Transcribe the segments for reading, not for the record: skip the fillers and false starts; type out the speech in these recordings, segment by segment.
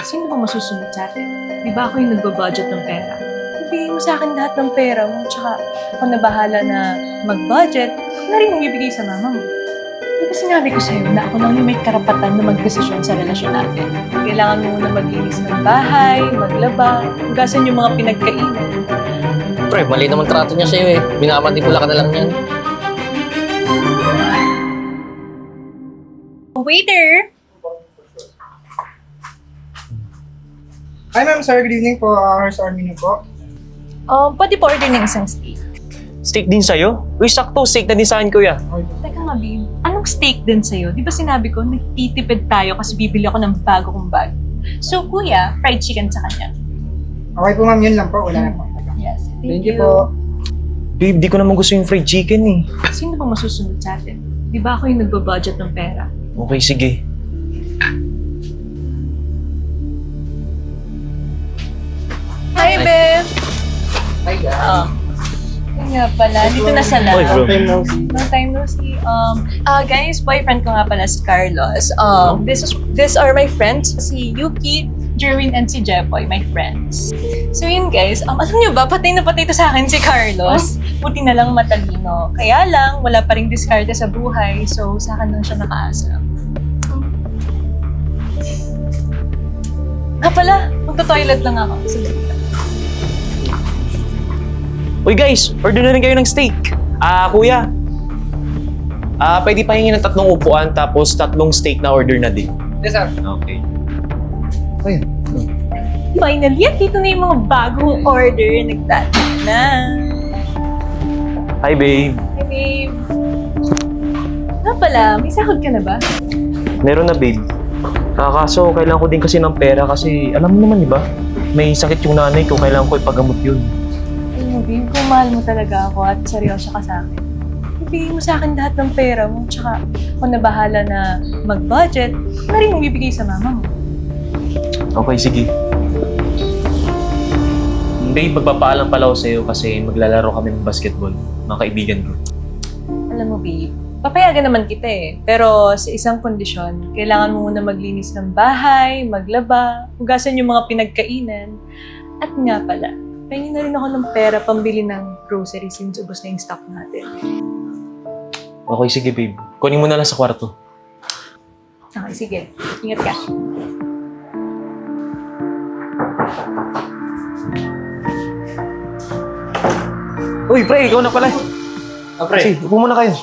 Sino ba masusunod sa atin? Di ba ako yung nagbo-budget ng pera? Ibigay mo sa akin lahat ng pera mo, tsaka ako na bahala na mag-budget, ako na rin yung ibigay sa mama mo. Di ba sinabi ko sa'yo na ako lang yung may karapatan na magdesisyon sa relasyon natin? Kailangan mo muna maglinis ng bahay, maglaba, hugasan yung mga pinagkainan. Pre, mali naman trato niya sa'yo eh. Minamanipula ka na lang yan. Waiter! Hi ma'am, sir. Good evening po. Here's our menu po. Pwede po order ng isang steak. Steak din sa'yo? Uy, sakto. Steak na din sa'kin, kuya. Teka nga, babe. Anong steak din sa'yo? Di ba sinabi ko, nagtitipid tayo kasi bibili ako ng bago kong bag. So, kuya, fried chicken sa kanya. Okay po ma'am, yun lang po. Wala na po. Yes, Thank you po. Babe, di ko naman gusto yung fried chicken eh. Sino ba masusunod sa atin? Di ba ako yung nagbo-budget ng pera? Okay, sige. Hi, babe! Hi guys. Yun nga pala, dito na sa Oy, bro. lab. Long time no see. Guys, boyfriend ko nga pala si Carlos. These are my friends. Si Yuki, Jerwin, and si Jepoy, my friends. So yun guys, alam niyo ba, patay na patay to sa akin si Carlos. Buti na lang matalino. Kaya lang, wala pa ring diskarte sa buhay. So sa akin lang siya nakaasa. Pala, magto-toilet lang ako. Sige. Uy guys, order na rin kayo ng steak. Kuya. Pwede pahingin ng 3 upuan tapos 3 steak na order na din. Yes, sir. Okay. Finally, at dito na yung mga bagong order. Nagdala na. Hi, babe. Hi, babe. Nga pala, may sahod ka na ba? Meron na, babe. Kaso, kailangan ko din kasi ng pera kasi, alam mo naman, di ba? May sakit yung nanay ko, kailangan ko ipagamot yun. Alam mo, babe, kung mahal mo talaga ako at seryoso ka sa akin, ibigay mo sa akin lahat ng pera mo, tsaka ako na bahala na mag-budget, ako na rin yung ibigay sa mama mo. Okay, sige. Babe, magpapaalam pala ako sa'yo kasi maglalaro kami ng basketball, mga kaibigan ko. Alam mo, babe, papayagan naman kita eh. Pero sa isang kondisyon, kailangan mo muna maglinis ng bahay, maglaba, hugasan yung mga pinagkainan. At nga pala, pahingin na rin ako ng pera pambili ng groceries since ubos na yung stock natin. Okay, sige, babe. Kunin mo na lang sa kwarto. Okay, sige. Ingat ka. Uy, pre, ikaw na pala. Pre. Sige, upo muna kayo.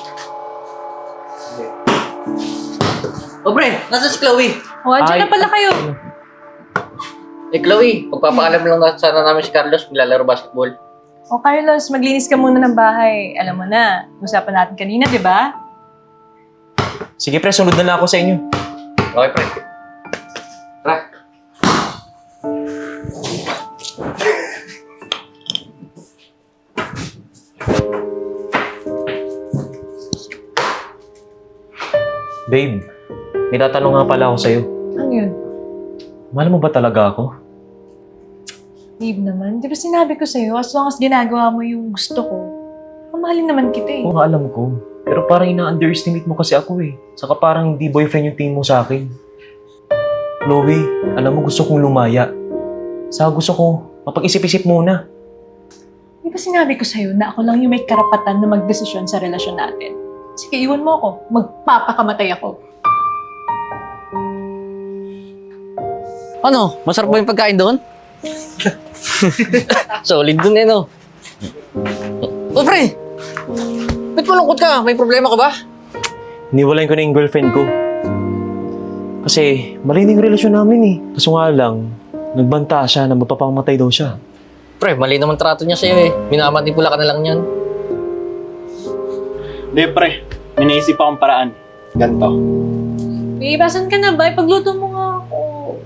Pre, nasa si Chloe? O, andyan na pala kayo. Eh, Chloe, pagpapaalam lang sana namin si Carlos, maglalaro basketball. O, Carlos, maglinis ka muna ng bahay. Alam mo na, usapan natin kanina, di ba? Sige, pre, sunod na lang ako sa inyo. Okay, pre. Tara. Babe, may tatanong nga pala ako sa'yo. Ano yun? Mahal mo ba talaga ako? Babe naman, di ba sinabi ko sa'yo, as long as ginagawa mo yung gusto ko, mamahalin naman kita eh. Oo nga, alam ko. Pero parang ina-underestimate mo kasi ako eh. Saka parang hindi boyfriend yung tingin mo sa akin. Chloe, alam mo gusto kong lumaya. Saka gusto ko mapag-isip-isip muna. Di ba sinabi ko sa'yo na ako lang yung may karapatan na magdesisyon sa relasyon natin? Sige, iwan mo ako. Magpapakamatay ako. Ano? Masarap ba yung pagkain doon? Solid dun eh, no? Oh, pre! Ba't malungkot ka? May problema ka ba? Iniwalayin ko na yung girlfriend ko. Kasi mali na yung relasyon namin eh. Kaso nga lang, nagbanta siya na mapapamatay daw siya. Pre, mali naman trato niya sa'yo eh. Minamanipula ka na lang yan. Hindi pre, may naisip akong paraan. Ganto. Babe, asan ka na ba? Ipagluto mo nga ako.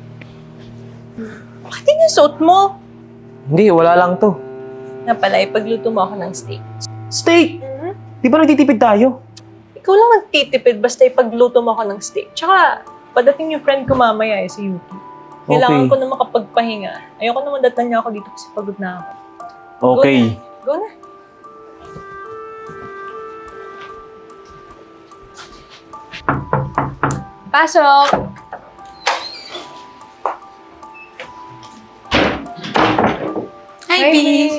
Bakit yun yung suot mo? Hindi, wala lang to. Nga pala, ipagluto mo ako ng steak. Steak! Di ba nagtitipid tayo? Ikaw lang magtitipid basta ipagluto mo ako ng steak. Tsaka, padating yung friend ko mamaya eh, si Yuki. Kailangan ko na makapagpahinga. Ayoko naman datan niya ako dito kasi pagod na ako. Okay. Go na. Pasok! Hi, B!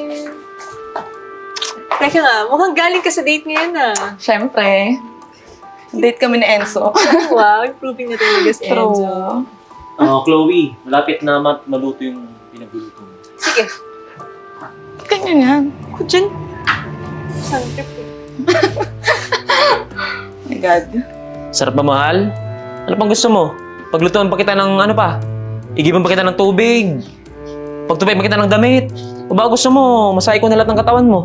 Teka nga, mukhang galing ka sa date ngayon ah. Siyempre. Date kami ni Enzo. Wow, improving na talaga si Enzo. Chloe, malapit na maluto yung pinagluluto mo. Sige, Ganyan yan. ako dyan. Saan trip eh? Oh my God. Sarap ba, mahal? Ano pang gusto mo? Paglutuan pa kita ng ano pa? Igiban pa kita ng tubig? Pagtupay pa kita ng damit? O ba gusto mo, masahe ko na lahat ng katawan mo?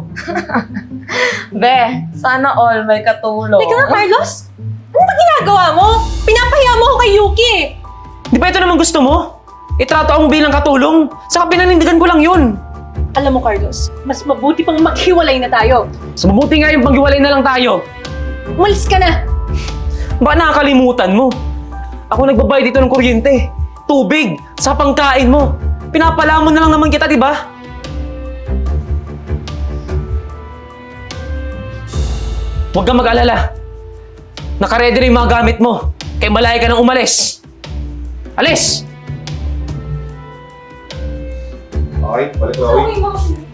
Be, sana all may katulong. Teka nga, Carlos! Ano ba ginagawa mo? Pinapahiya mo ako kay Yuki! Di ba ito naman gusto mo? Itrato ako bilang katulong. Saka pinanindigan ko lang yun. Alam mo, Carlos, mas mabuti pang maghiwalay na tayo. Mas mabuti nga yung paghiwalay na lang tayo. Umalis ka na! Baka nakakalimutan mo. Ako nagbabayad dito ng kuryente, tubig, sa pangkain mo. Pinapalamon na lang naman kita, di ba? Huwag kang mag-alala. Nakaredy na yung mga gamit mo. Kaya malaya ka nang umalis. Alis! Okay, balik Chloe. Okay,